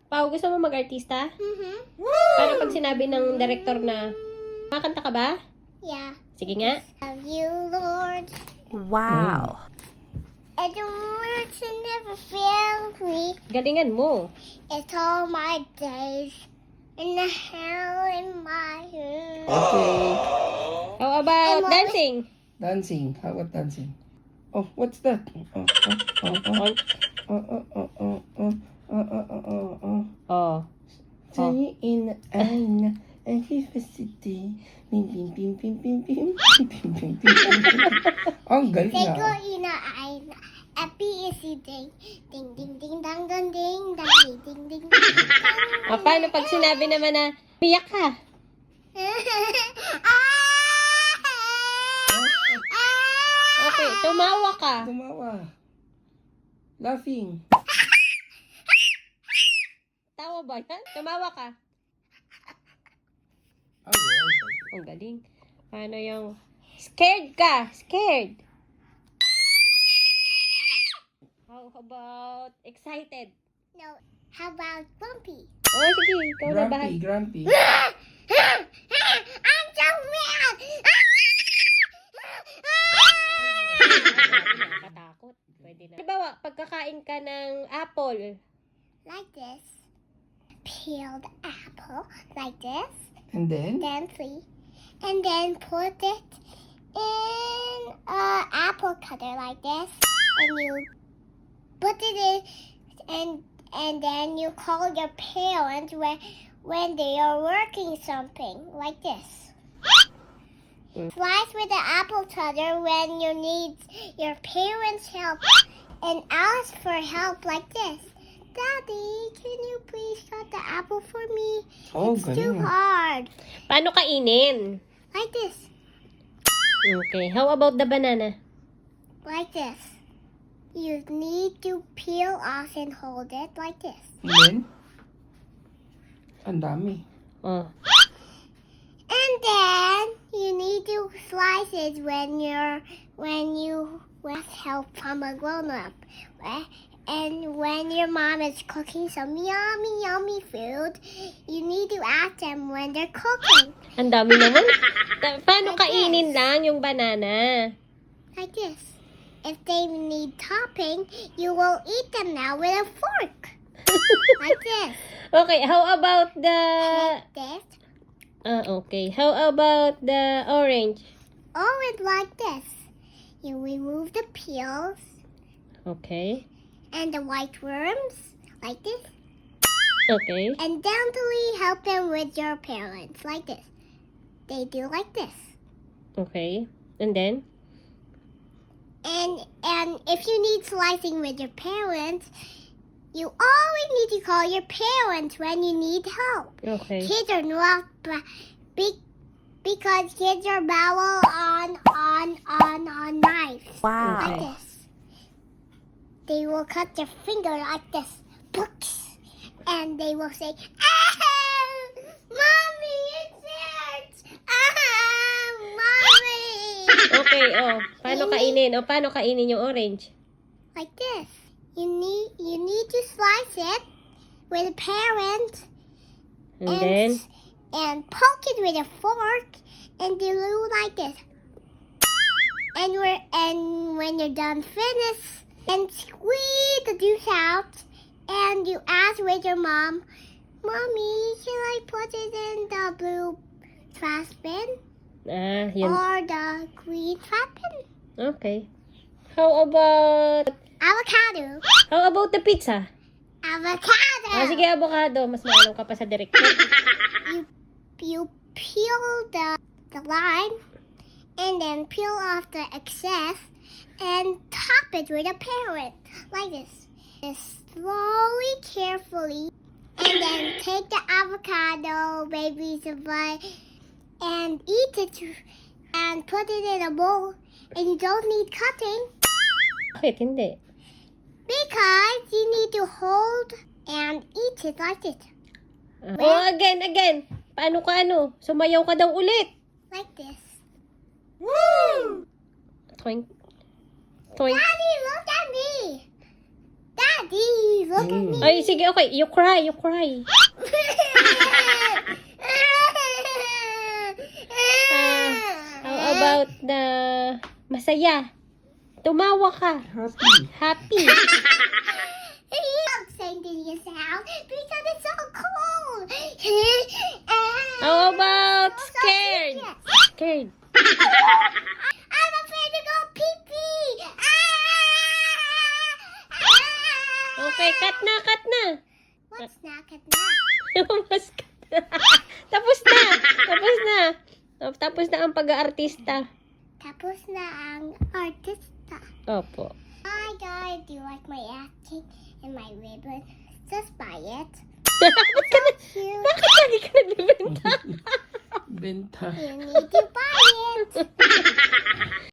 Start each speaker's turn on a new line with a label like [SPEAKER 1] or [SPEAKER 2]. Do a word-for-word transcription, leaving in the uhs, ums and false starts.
[SPEAKER 1] Pao, gusto mo mag-artista?
[SPEAKER 2] Mm-hmm.
[SPEAKER 1] Paano pag sinabi ng director na, makakanta ka ba?
[SPEAKER 2] Yeah.
[SPEAKER 1] Sige nga.
[SPEAKER 2] Of you, Lord.
[SPEAKER 1] Wow.
[SPEAKER 2] And the words that never fail me.
[SPEAKER 1] Galingan mo.
[SPEAKER 2] It's all my days. In the hell in my heart.
[SPEAKER 3] Okay.
[SPEAKER 1] How about
[SPEAKER 2] And what
[SPEAKER 1] dancing?
[SPEAKER 3] Dancing. How about dancing? Oh, what's that? Oh, oh, oh, oh,
[SPEAKER 1] Oh.
[SPEAKER 3] oh, oh, oh, oh, oh, oh, oh, oh, oh.
[SPEAKER 1] Oh.
[SPEAKER 3] Sunny in the eye, and he's the city. Pim, pim, pim, pim, pim, pim, pim, pim, pim, pim, pim. Ang galing
[SPEAKER 2] They go
[SPEAKER 3] na.
[SPEAKER 2] in a eye. Happy is the day. Ding, ding, ding, dang, dang, ding, dang, ding, ding, ding, ding.
[SPEAKER 1] O, paano pag sinabi naman na, piyak ka? Okay, tumawa ka.
[SPEAKER 3] Tumawa. Laughing.
[SPEAKER 1] Tawa ba yan? Tumawa ka.
[SPEAKER 3] Ay, ay,
[SPEAKER 1] Ang galing. Paano yung, scared ka? Scared. How about excited?
[SPEAKER 2] No, how about Bumpy?
[SPEAKER 1] O, sige, ikaw na ba?
[SPEAKER 3] Grumpy, grumpy.
[SPEAKER 2] I'm so mad!
[SPEAKER 1] Nakakatakot. Pwede na. Halimbawa, pagkakain ka ng apple.
[SPEAKER 2] Like this. Peeled apple. Like this.
[SPEAKER 3] And then?
[SPEAKER 2] Then three. And then put it in a apple cutter like this. And you put it in and and then you call your parents when when they are working something like this.
[SPEAKER 1] Mm.
[SPEAKER 2] Slice with the apple cutter when you need your parents' help and ask for help like this. Daddy, can you please cut the apple for me?
[SPEAKER 3] Oh,
[SPEAKER 2] It's too
[SPEAKER 3] galing.
[SPEAKER 2] hard.
[SPEAKER 1] Paano kainin?
[SPEAKER 2] Like this.
[SPEAKER 1] Okay, how about the banana?
[SPEAKER 2] Like this. You need to peel off and hold it like this.
[SPEAKER 3] And then? Ang dami.
[SPEAKER 1] Oh.
[SPEAKER 2] And then you need to slice it when you're when you with help from a grown up. And when your mom is cooking some yummy, yummy food, you need to ask them when they're cooking.
[SPEAKER 1] Ang dami naman. Ta- Paano
[SPEAKER 2] Like
[SPEAKER 1] kainin lang yung banana?
[SPEAKER 2] Like this. If they need topping, you will eat them now with a fork. Like this.
[SPEAKER 1] Okay, how about the...
[SPEAKER 2] Like this.
[SPEAKER 1] Ah, okay. How about the orange?
[SPEAKER 2] Orange like this. You remove the peels
[SPEAKER 1] Okay.
[SPEAKER 2] and the white worms like this.
[SPEAKER 1] Okay.
[SPEAKER 2] And gently help them with your parents like this. They do like this.
[SPEAKER 1] Okay. And then?
[SPEAKER 2] And and if you need slicing with your parents, you always need to call your parents when you need help.
[SPEAKER 1] Okay.
[SPEAKER 2] Kids are not ba- big because kids are bowel on on on on knives
[SPEAKER 1] Wow.
[SPEAKER 2] like this. They will cut their finger like this, books, and they will say, "Ah, mommy, it hurts! Ah, mommy!"
[SPEAKER 1] Okay, oh. Paano kainin? O, paano kainin yung orange?
[SPEAKER 2] Like this. You need you need to slice it with a parent
[SPEAKER 1] And then?
[SPEAKER 2] and poke it with a fork and do like this. And we're and when you're done finish and squeeze the juice out and you ask with your mom, Mommy, should I put it in the blue trash bin
[SPEAKER 1] Ah, yun.
[SPEAKER 2] or the green trash bin?
[SPEAKER 1] Okay. How about...
[SPEAKER 2] Avocado.
[SPEAKER 1] How about the pizza?
[SPEAKER 2] Avocado.
[SPEAKER 1] Ah, sige, avocado. Mas maalam ka pa sa director.
[SPEAKER 2] you you peel the the line and then peel off the excess and top it with a parent like this. Just slowly, carefully, and then take the avocado, baby, bite, and eat it, and put it in a bowl. And you don't need cutting
[SPEAKER 1] Bakit hindi?
[SPEAKER 2] because you need to hold and eat it like it,
[SPEAKER 1] Ah. Oh, again, again. Paano ka ano? Sumayaw ka daw ulit.
[SPEAKER 2] like this.
[SPEAKER 1] Toink. Toink.
[SPEAKER 2] Daddy, look at me. Daddy, look at me.
[SPEAKER 1] Ay, sige, okay. You cry, you cry. Ah, how about the masaya? Tumawa ka.
[SPEAKER 3] Happy.
[SPEAKER 1] Happy.
[SPEAKER 2] I'm singing this out because it's so cold.
[SPEAKER 1] How about scared? Scared.
[SPEAKER 2] I'm afraid to go pee-pee.
[SPEAKER 1] Okay, cut na, cut na.
[SPEAKER 2] What's snack at that?
[SPEAKER 1] Mas cut na. Tapos na. Tapos na. Oh, tapos na ang pag-aartista.
[SPEAKER 2] Tapos na ang artista.
[SPEAKER 1] Opo.
[SPEAKER 2] Hi guys, do you like my acting and my ribbon? Just buy it.
[SPEAKER 1] Bakit ka na,
[SPEAKER 2] Cute.
[SPEAKER 1] bakit lagi ka nagbibenta?
[SPEAKER 3] Benta.
[SPEAKER 2] You need to buy it.